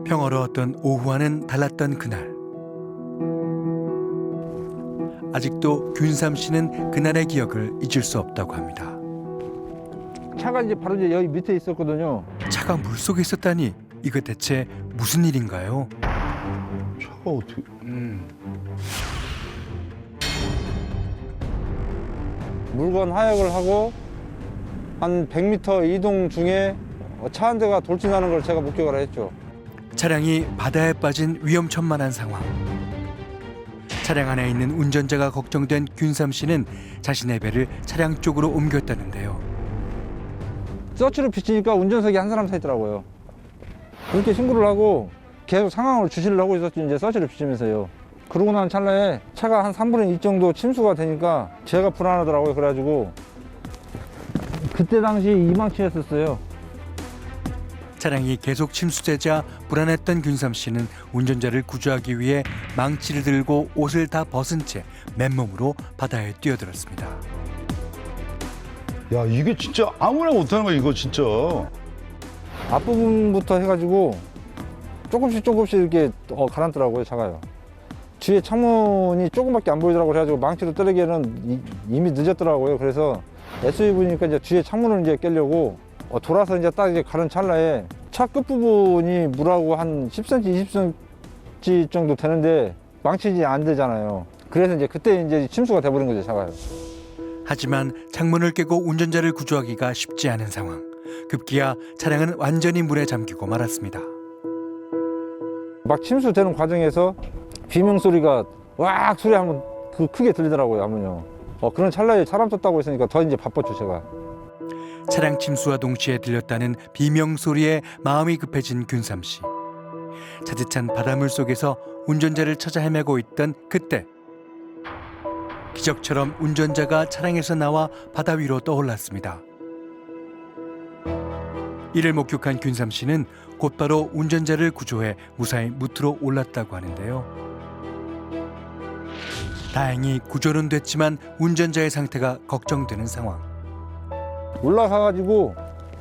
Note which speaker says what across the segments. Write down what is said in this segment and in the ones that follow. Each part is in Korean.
Speaker 1: 평화로웠던 오후와는 달랐던 그날. 아직도 균삼 씨는 그날의 기억을 잊을 수 없다고 합니다.
Speaker 2: 차가 이제 바로 이제 여기 밑에 있었거든요.
Speaker 1: 차가 물속에 있었다니 이거 대체 무슨 일인가요?
Speaker 3: 차가 어떻게?
Speaker 2: 물건 하역을 하고 한 100m 이동 중에 차 한 대가 돌진하는 걸 제가 목격을 했죠.
Speaker 1: 차량이 바다에 빠진 위험천만한 상황. 차량 안에 있는 운전자가 걱정된 균삼 씨는 자신의 배를 차량 쪽으로 옮겼다는데요.
Speaker 2: 서치를 비치니까 운전석에 한 사람 서 있더라고요. 그렇게 신고를 하고 계속 상황을 주시를 하고 있었죠. 이제 서치를 비치면서요. 그러고 난 찰나에 차가 한 3분의 2 정도 침수가 되니까 제가 불안하더라고요. 그래가지고 그때 당시 이망치였었어요.
Speaker 1: 차량이 계속 침수되자 불안했던 균삼 씨는 운전자를 구조하기 위해 망치를 들고 옷을 다 벗은 채 맨몸으로 바다에 뛰어들었습니다.
Speaker 3: 야, 이게 진짜 아무나 못하는 거야, 이거 진짜.
Speaker 2: 앞부분부터 해가지고 조금씩 이렇게 가라앉더라고요. 차가요. 뒤에 창문이 조금밖에 안 보이더라고요. 그래가지고 망치로 때리기에는 이미 늦었더라고요. 그래서 SUV니까 이제 뒤에 창문을 이제 깨려고 돌아서 이제 딱 이제 가는 찰나에 차 끝부분이 물하고 한 10cm, 20cm 정도 되는데 망치지 안 되잖아요. 그래서 이제 그때 이제 침수가 돼버린 거죠, 차가요.
Speaker 1: 하지만 창문을 깨고 운전자를 구조하기가 쉽지 않은 상황. 급기야 차량은 완전히 물에 잠기고 말았습니다.
Speaker 2: 막 침수되는 과정에서 비명 소리가 왁 소리 한번 크게 들리더라고요, 하면요. 그런 찰나에 사람 떴다고 했으니까 더 이제 바빴죠, 제가.
Speaker 1: 차량 침수와 동시에 들렸다는 비명 소리에 마음이 급해진 균삼 씨. 차디찬 바닷물 속에서 운전자를 찾아 헤매고 있던 그때 기적처럼 운전자가 차량에서 나와 바다 위로 떠올랐습니다. 이를 목격한 균삼 씨는 곧바로 운전자를 구조해 무사히 무트로 올랐다고 하는데요. 다행히 구조는 됐지만 운전자의 상태가 걱정되는 상황.
Speaker 2: 올라가가지고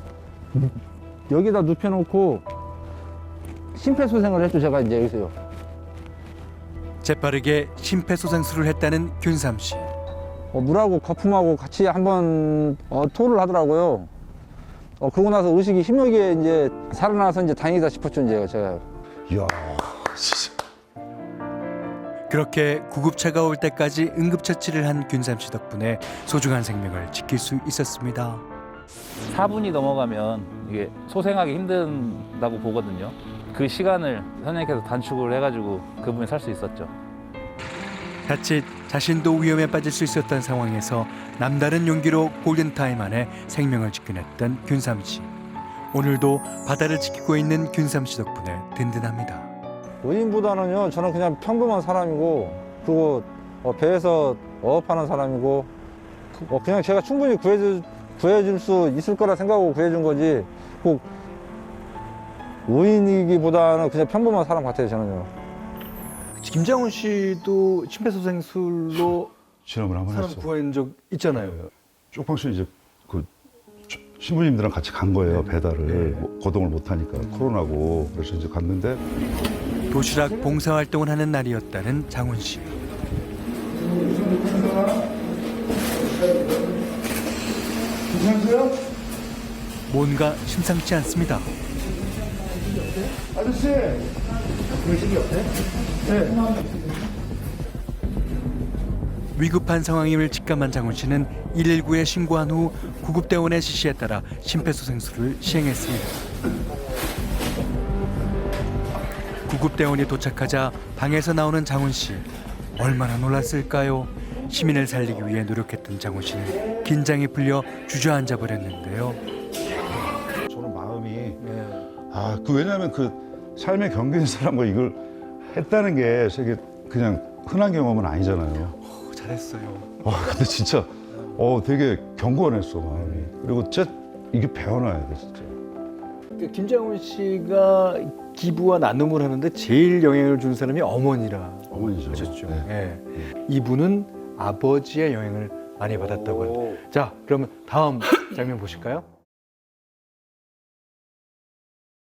Speaker 2: 여기다 눕혀놓고 심폐소생을 했죠, 제가 이제 여기서요.
Speaker 1: 재빠르게 심폐소생술을 했다는 균삼 씨.
Speaker 2: 물하고 거품하고 같이 한번 토를 하더라고요. 그러고 나서 의식이 희미하게 이제 살아나서 이제 다행이다 싶었죠, 이제 제가.
Speaker 3: 이야, 진짜.
Speaker 1: 그렇게 구급차가 올 때까지 응급처치를 한 균삼 씨 덕분에 소중한 생명을 지킬 수 있었습니다.
Speaker 4: 4분이 넘어가면 이게 소생하기 힘든다고 보거든요. 그 시간을 선생님께서 단축을 해가지고 그분이 살 수 있었죠.
Speaker 1: 자칫 자신도 위험에 빠질 수 있었던 상황에서 남다른 용기로 골든타임 안에 생명을 지켜냈던 균삼 씨. 오늘도 바다를 지키고 있는 균삼 씨 덕분에 든든합니다.
Speaker 2: 의인보다는요, 저는 그냥 평범한 사람이고, 그리고 배에서 어업하는 사람이고, 그냥 제가 충분히 구해줄 수 있을 거라 생각하고 구해준 거지, 꼭 의인이기보다는 그냥 평범한 사람 같아요, 저는요.
Speaker 5: 김장훈 씨도 심폐소생술로
Speaker 3: 실험을 한번
Speaker 5: 사람
Speaker 3: 했어.
Speaker 5: 구한 적 있잖아요.
Speaker 3: 쪽방촌 이제 그 신부님들랑 같이 간 거예요, 배달을. 거동을 못 하니까 코로나고. 그래서 이제 갔는데
Speaker 1: 도시락 봉사활동을 하는 날이었다는 장훈 씨.
Speaker 3: 괜찮으세요?
Speaker 1: 뭔가 심상치 않습니다.
Speaker 3: 아저씨!
Speaker 1: 위급한 상황임을 직감한 장훈 씨는 119에 신고한 후 구급대원의 지시에 따라 심폐소생술을 시행했습니다. 구급대원이 도착하자 방에서 나오는 장훈 씨. 얼마나 놀랐을까요? 시민을 살리기 위해 노력했던 장훈 씨는 긴장이 풀려 주저앉아 버렸는데요.
Speaker 3: 저는 마음이 왜냐하면 그 삶의 경계인 사람과 이걸 했다는 게 되게 그냥 흔한 경험은 아니잖아요.
Speaker 1: 잘했어요.
Speaker 3: 근데 진짜 되게 경건했어, 마음이. 그리고 진짜 이게 배워놔야 돼, 진짜.
Speaker 5: 김장훈 씨가 기부와 나눔을 하는데 제일 영향을 준 사람이 어머니라
Speaker 3: 어머니죠.
Speaker 5: 하셨죠.
Speaker 3: 네.
Speaker 5: 예. 이분은 아버지의 영향을 많이 받았다고 합니다. 자, 그러면 다음 장면 보실까요?